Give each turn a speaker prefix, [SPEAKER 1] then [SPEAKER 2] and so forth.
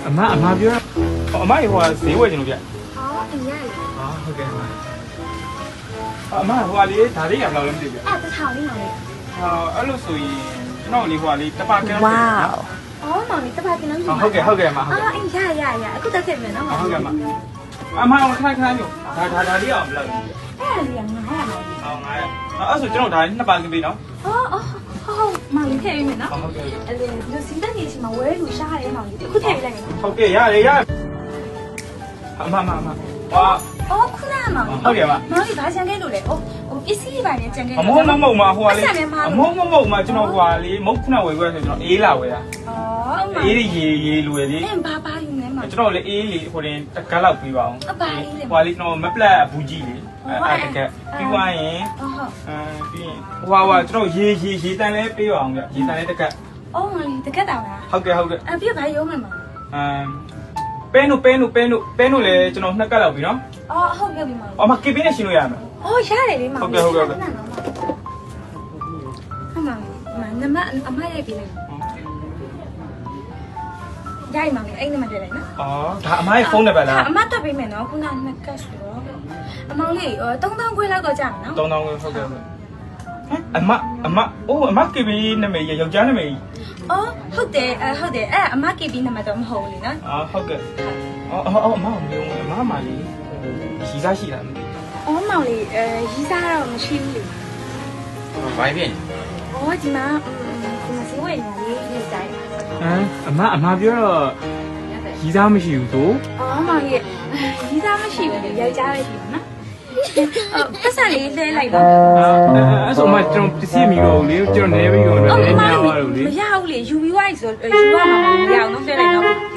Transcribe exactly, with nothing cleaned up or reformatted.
[SPEAKER 1] အမအမပြောအမဟိုကဈေးဝယ်ချင်လို့ဗျ
[SPEAKER 2] อ๋อအင်ရတယ်
[SPEAKER 1] ဟာဟုတ်ကဲ့ပါအမဟိုကလေဒါလေးရဘယ်လောက်လဲမသိဘူးဗျ
[SPEAKER 2] အဲ့တစ်ထောင်လေးမောင်လေး
[SPEAKER 1] ဟာအဲ့လိုဆိုရင်ကျွန်တော်လေးဟိုကလေတပါကန်း
[SPEAKER 3] ဝါး
[SPEAKER 2] อ๋อမောင်လေးတစ်ပါးကင်းလုံးယူ
[SPEAKER 1] ဟုတ်ကဲ့ဟုတ်ကဲ့မဟုတ်
[SPEAKER 2] အော်
[SPEAKER 1] ကဲ့
[SPEAKER 2] အင်ရရရအခုတက်ခဲ့မယ်နော်မောင်
[SPEAKER 1] ဟုတ်ကဲ့မအမအောင်ခဏခဏမျိုးဒါဒါဒါလေးအောင်ဘယ်လောက်လဲ
[SPEAKER 2] အဲ့လေးကငါးရမောင်လေး
[SPEAKER 1] ဟောငါရအဲ့ဆိုကျွန်တော်ဒါနှစ်ပါကင်းပြီနော်
[SPEAKER 2] အော်အော်ဟုတ်မောင်လေးထည့်ပေးမယ်နော်
[SPEAKER 1] ဟုတ်ကဲ့
[SPEAKER 2] အဲ့ဒီလူစီတက်နေချင်မှာဝဲလူရှားရဲမောင်လေးအခုထည့်ပေးလိုက်မယ်နော်
[SPEAKER 1] ဟုတ်ကဲ့ရတယ်ရအမမမဟာ
[SPEAKER 2] အော်ခုနကမောင်လေး
[SPEAKER 1] ဟုတ်ကဲ့မ
[SPEAKER 2] မောင်လေးဘာချန်ခဲ့လို့လဲဟိုဟိုပစ္စည်းတွေပါနေချန်ခဲ့
[SPEAKER 1] အမဟုတ်မမဟုတ်မဟိုကလေအမဟုတ်မမဟုတ်မကျွန်တော်ဟိုကလေမုတ်ခုနဝယ်ခွဲဆိုကျွန်တော်အေးလာဝယ်တာ
[SPEAKER 2] အော်မောင်
[SPEAKER 1] အေး
[SPEAKER 2] လေး
[SPEAKER 1] ရေရေလူရယ်လေ
[SPEAKER 2] အင်းဘာပါယူနေမောင်
[SPEAKER 1] ကျွန်တော်လေအေးလေဟိုတင်တကက်လောက်ပြီးပါအောင်
[SPEAKER 2] အပါအေးလေ
[SPEAKER 1] ဟိုလေကျွန်တော်မပလက်ဘူးကြီးလေအဲ့တကက်ပြီးသွားရင်
[SPEAKER 2] အော်ဟုတ်
[SPEAKER 1] အဲပြီးရင်ဟိုဟာကျွန်တော်ရေရေရေတန်လဲပေးပါအောင်ဗျရေတန်လဲတကက်
[SPEAKER 2] အော်မောင်လေးတကက်တောင်လား
[SPEAKER 1] ဟုတ်ကဲ့ဟုတ်ကဲ့
[SPEAKER 2] အပြည့်ဘာရုံးမယ်မောင်
[SPEAKER 1] အမ်ပဲနိုပဲနိုပဲနိုပဲနိုလေကျွန်တော်နှစ်ကက်လောက်ပြီနော်
[SPEAKER 2] အော်ဟုတ်ပြီမောင်
[SPEAKER 1] အော်မကေပင်းနဲ့ရှင်းလို့ရမယ်
[SPEAKER 2] အော်ရတယ်လေမောင်
[SPEAKER 1] ဟုတ်ကဲ့ဟုတ်ကဲ့ဟုတ်ကဲ့
[SPEAKER 2] ဟုတ်မောင်မနမအမရိုက်ပေးလိုက်ရိုက်မောင်လေးအဲ့ဒီမှာတွေ့လိုက်နော်
[SPEAKER 1] အော်ဒါအမရဲ့ဖုန်းနံပါတ်လား
[SPEAKER 2] အမတက်ပေးမယ်နော်ခုနနှစ်ကတ်ဆိုတော့အမောင်လေးသုံးသောင်းခွဲလောက်တော့ကြာမယ်နော်
[SPEAKER 1] တောင်းတောင်းဟုတ်ကဲ့ဟုတ်အမအမအိုးအမကေပင်းနာမည်ယောက်ျားနာမည်
[SPEAKER 2] အော်ဟုတ်တယ်အဟုတ်တယ်အဲ့အမကေဘီနံပါတ်တော့မဟုတ်ဘူးလေနော်
[SPEAKER 1] အာဟုတ်ကဲ့အော်အော်အမမျိုးအမမလေးရီစားရှိတာမသိ
[SPEAKER 2] အော်မောင်လေးအဲရီးစားတော့မရှိဘူးလေ
[SPEAKER 1] ဘူးဘာဖြစ်
[SPEAKER 2] အော်ဒီမှာဒီမှာစီဝဲနေလေးရေးတိုင်း
[SPEAKER 1] ဟမ်အမအမပြောတော့ရီစားမရှိဘူးသို့
[SPEAKER 2] အော်မောင်လေးရီးစားမရှိဘူးလေယောက်ျားပဲရှိတယ်နော်အော်ပတ်စံလေးလဲလိုက်ပါ
[SPEAKER 1] အဲ့ဆိုမှကျွန်တော်ပစ္စည်းမီတော့လေကျွန်တော်နေပြီးတော့လည်းညောင်းသွားလို့လေ
[SPEAKER 2] မရဘူးလေယူပြီးွားပြီဆိုယူရမှာမရအောင်နော်လဲလိုက်နော်